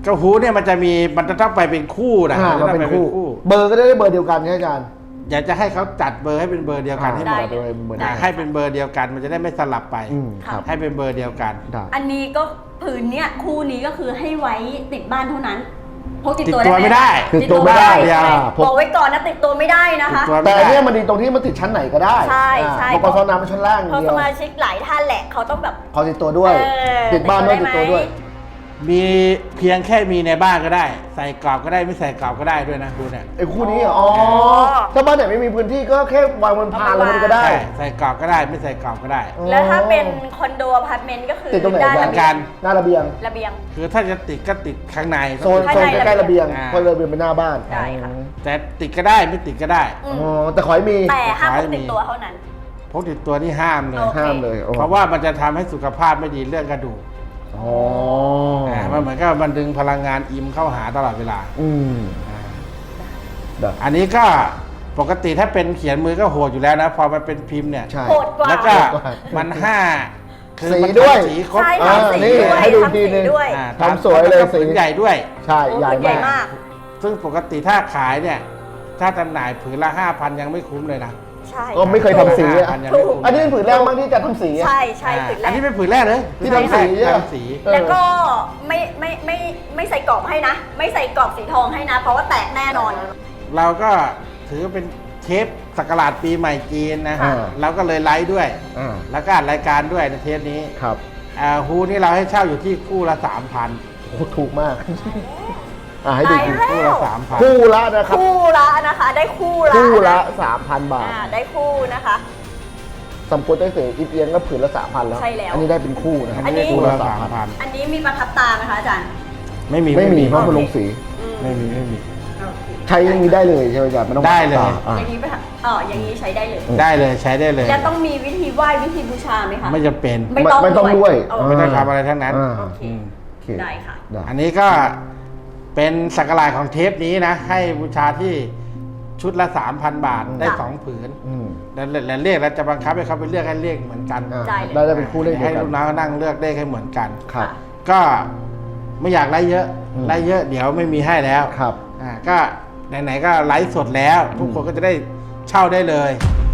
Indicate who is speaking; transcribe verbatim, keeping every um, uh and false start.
Speaker 1: ก็ฮูเนี่ยมันจะมีมันจะต้องไปเป็นคู่นะมันจะเป็นคู่
Speaker 2: เบอร์ก็ได้เบอร์เดียวกันใช่ไหมอาจารย์
Speaker 1: อยากจะให้เขาจัดเบอร์ให้เป็นเบอร์เดียวกันให้หมดให้เป็นเบอร์เดียวกันมันจะได้ไม่สลับไปให้เป็นเบอร์เดียวกัน
Speaker 3: อันนี้ก็ผืนเนี้ยคู่นี้ก็คือให้ไว้ติดบ้านเท่านั้นพกติด
Speaker 1: ติด
Speaker 3: ตัว
Speaker 1: ตัวไม่ได้
Speaker 2: ติดตัวไม่ได้
Speaker 3: บอกไว้ก่อนนะติดตัวไม่ได้นะคะ
Speaker 2: แต่เนี่ยมันดีตรงที่มันติดชั้นไหนก็ได้
Speaker 3: ใช่ใช่
Speaker 2: พอกสน้ำมันชั้นล่าง
Speaker 3: เพราะสมาชิกหลายท่านแหละเขาต้องแบบ
Speaker 2: ขอติดตัวด้วยติดบ้านด้วยติดตัวด้วย
Speaker 1: มีเพียงแค่มีในบ้านก็ได้ใส่กรอบก็ได้ไม่ใส่กรอบก็ได้ด้วยนะคุณเนี่ย
Speaker 2: ไอ้คู่นี้อ๋อถ้าบ้านไหนไม่มีพื้นที่ก็แค่วางบนพานแล้วมันก็ได้
Speaker 1: ใส่กรอบก็ได้ไม่ใส่กรอบก็ได้
Speaker 3: แล้วถ้าเป็นคอนโดอพาร์ตเมนต์ก็คือ
Speaker 2: ติดตรงไหนกันหน้าระเบียง
Speaker 3: ระเบียง
Speaker 1: คือถ้าจะติดก็ติดข้างใน
Speaker 2: โซนโซนใกล้ๆระเบียงเพราะระเบียงเป็นหน้าบ้าน
Speaker 3: ใช่ค่ะ
Speaker 1: แต่ติดก็ได้ไม่ติดก็ได้
Speaker 2: อ๋อแต่ขอให้มี
Speaker 3: แต่ห้ามพกติดตัวเท่านั้น
Speaker 1: พกติดตัวนี่ห้ามเลย
Speaker 2: ห้ามเลย
Speaker 1: เพราะว่ามันจะทำให้สุขภาพไม่ดีเรื่องกระดูก
Speaker 2: อ๋อ
Speaker 1: มันเหมือนกับมันดึงพลังงานอิมเข้าหาตลอดเวลา
Speaker 2: อืม
Speaker 1: อันนี้ก็ปกติถ้าเป็นเขียนมือก็โหดอยู่แล้วนะพอมันเป็นพิมพ์เนี่ย
Speaker 3: โหดกว่า
Speaker 1: แล้วก็มันห้า
Speaker 2: คือสีด้วย
Speaker 1: สีครบ
Speaker 2: นี่ให้ดูทีนึงทำสวยเลยสี
Speaker 1: ใหญ่ด้วย
Speaker 2: ใช่ใหญ่มาก
Speaker 1: ซึ่งปกติถ้าขายเนี่ยถ้าจำหน่ายผืนละห้าพันยังไม่คุ้มเลยนะ
Speaker 2: ก็ไม่เคยทำสีอันนี้เป็นผืนแรกมากที่จะทำสี
Speaker 3: ใช่ใช่ผืนแรก
Speaker 1: อันนี้เป็นผืนแรกเลย
Speaker 2: ที่ทำสี
Speaker 1: ทำสี
Speaker 3: แล้วก็ไม่ไม่ไม่ไม่ใส่กรอบให้นะไม่ใส่กรอบสีทองให้นะเพราะว่าแตกแน่นอน
Speaker 1: เราก็ถือเป็นเทปสักราชปีใหม่จีนนะเราก็เลยไลฟ์ด้วยแล้วก็รายการด้วยในเทปนี้
Speaker 2: ครับ
Speaker 1: ฮูนี่เราให้เช่าอยู่ที่คู่ละสามพัน
Speaker 2: โอ้ถูกมากให้ดู
Speaker 1: คู่ละสามพัน
Speaker 2: คู่ละนะครับ
Speaker 3: คู่ละนะคะได้คู่ละ
Speaker 2: คู่ละสามพันบาท
Speaker 3: ได้คู่นะคะ
Speaker 2: สำควรได้เสียอีเอียงก็ผืนละสามพันแล้ว
Speaker 3: ใช่แล้ว
Speaker 2: อันนี้ได้เป็นคู่นะครับ
Speaker 3: อันนี้
Speaker 2: คู่ละสามพัน
Speaker 3: อันนี้มีประทับตาไหมคะอาจารย์
Speaker 1: ไม่มี
Speaker 2: ไม่มีเพราะมันลงสี
Speaker 1: ไม่มีไม่มี
Speaker 2: ใช้อย่างนี้ได้เลยใช่ไหมอาจารย์ไม่ต้อง
Speaker 1: ได้เลย
Speaker 3: อย่างนี้ไปอ๋ออย่างนี้ใช้ได้เลย
Speaker 1: ได้เลยใช้ได้เลย
Speaker 3: แล้วต้องมีวิธีไหว้วิธีบูชาไหมคะ
Speaker 1: ไม่จำเป็น
Speaker 2: ไม่ต้องไม่ต้องด้วย
Speaker 1: ไม่ต้องทำอะไรทั้งนั้น
Speaker 3: โอเคได้ค่ะ
Speaker 1: อันนี้ก็เป็นสักราชของเทปนี้นะให้บูชาที่ชุดละ สามพัน บาทได้สองผืนแล้วเลขเราจะบังคับให้เขาไปเลือกให้เลขเหมือนกัน
Speaker 2: ได้ได้เป็นคู่เลข
Speaker 1: ให้ลูกน้องนั่งเลือกเลขให้เหมือนกัน
Speaker 2: ครับ
Speaker 1: ก็ไม่อยากไล่เยอะไล่เยอะเดี๋ยวไม่มีให้แล้ว
Speaker 2: ครับ
Speaker 1: อ่าก็ไหนๆก็ไลฟ์สดแล้วทุกคนก็จะได้เช่าได้เลย